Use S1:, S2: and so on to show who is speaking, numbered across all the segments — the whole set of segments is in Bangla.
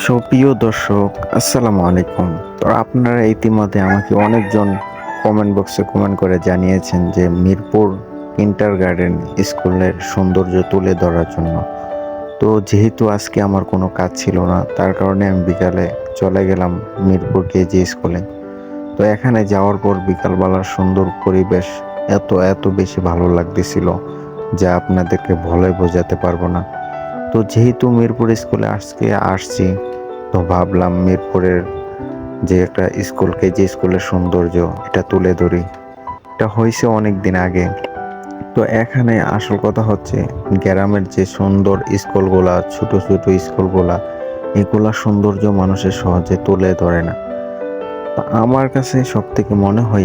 S1: সুপ্রিয় দর্শক, আসসালামু আলাইকুম। তো আপনারা ইতিমধ্যে আমাকে অনেকজন কমেন্ট বক্সে কমেন্ট করে জানিয়েছেন যে মিরপুর কিন্ডারগার্টেন স্কুলের সৌন্দর্য তুলে ধরার জন্য। তো যেহেতু আজকে আমার কোনো কাজ ছিল না, তার কারণে আমি বিকালে চলে গেলাম মিরপুর কেজি স্কুলে। তো এখানে যাওয়ার পর বিকালবেলার সুন্দর পরিবেশ এত এত বেশি ভালো লাগতেছিল যা আপনাদেরকে বলে বোঝাতে পারবো না। তো যেহেতু মিরপুর স্কুলে আজকে আসছি, তো ভাবলাম মিরপুরের যে একটা স্কুল কেজি স্কুলের সৌন্দর্য এটা তুলে ধরি। এটা হয়েছে অনেক দিন আগে। তো এখানে আসল কথা হচ্ছে গ্রামের যে সুন্দর স্কুলগুলা, ছোট ছোট স্কুলগুলা, এগুলা সৌন্দর্য মানুষের সহজে তুলে ধরে না। তো আমার কাছে সব থেকে মনে হয়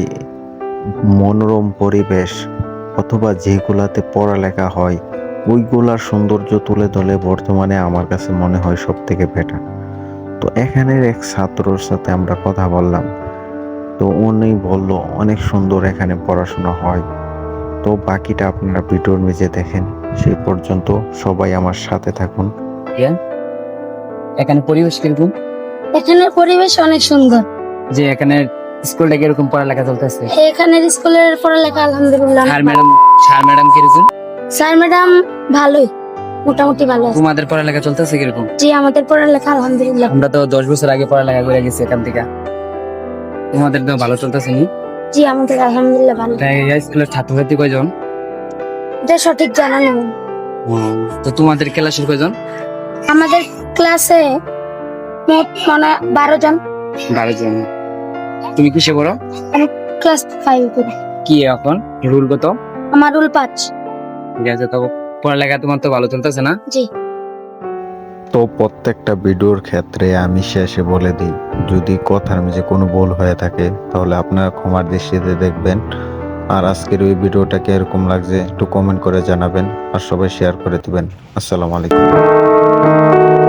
S1: মনোরম পরিবেশ অথবা যেগুলাতে পড়ালেখা হয় ওইগুলার সৌন্দর্য তুলে ধরলে বর্তমানে আমার কাছে মনে হয় সব থেকে বেটার। তো এখানের এক ছাত্রর সাথে আমরা কথা বললাম। তো উনি বলল অনেক সুন্দর এখানে পড়াশোনা হয়। তো বাকিটা আপনারা ভিডিওর নিচে দেখেন। সেই পর্যন্ত সবাই আমার সাথে থাকুন।
S2: ইয়া, এখানে পরিবেশ কিরকম?
S3: এখানের পরিবেশ অনেক সুন্দর।
S2: যে এখানে স্কুলটা কিরকম পড়ালেখা চলতেছে?
S3: এখানের স্কুলের পড়ালেখা আলহামদুলিল্লাহ।
S2: স্যার ম্যাডাম কিরকম?
S3: স্যার ম্যাডাম ভালোই, মোটামুটি ভালো আছে।
S2: তোমাদের পড়ালেখা চলতেছে কিরকম?
S3: জি, আমাদের পড়ালেখা আলহামদুলিল্লাহ।
S2: আমরা তো 10 বছর আগে পড়ালেখা করে গেছি এখান থেকে। তোমাদের তো ভালো চলতেছে নি?
S3: জি, আমাদের আলহামদুলিল্লাহ ভালো।
S2: তাই এই স্কুলের ছাত্রছাত্রী কয়জন?
S3: এটা সঠিক জানা নেই।
S2: তো তোমাদের ক্লাসের কয়জন?
S3: আমাদের ক্লাসে মোট 12 জন।
S2: 12 জন। তুমি কিসে পড়ো?
S3: আমি ক্লাস 5 পড়ি।
S2: কি এখন রুল কত?
S3: আমার রুল 5।
S2: ঠিক আছে, তো পড়ালেখা তোমার তো ভালো চলতেছে না?
S3: জি।
S1: তো প্রত্যেকটা ভিডিওর ক্ষেত্রে আমি শেষে বলে দিই, যদি কথার মাঝে কোনো ভুল হয়ে থাকে তাহলে আপনারা ক্ষমার দৃষ্টিতে দেখবেন। আর আজকের ওই ভিডিওটাকে এরকম লাগছে একটু কমেন্ট করে জানাবেন আর সবাই শেয়ার করে দিবেন। আসসালামু আলাইকুম।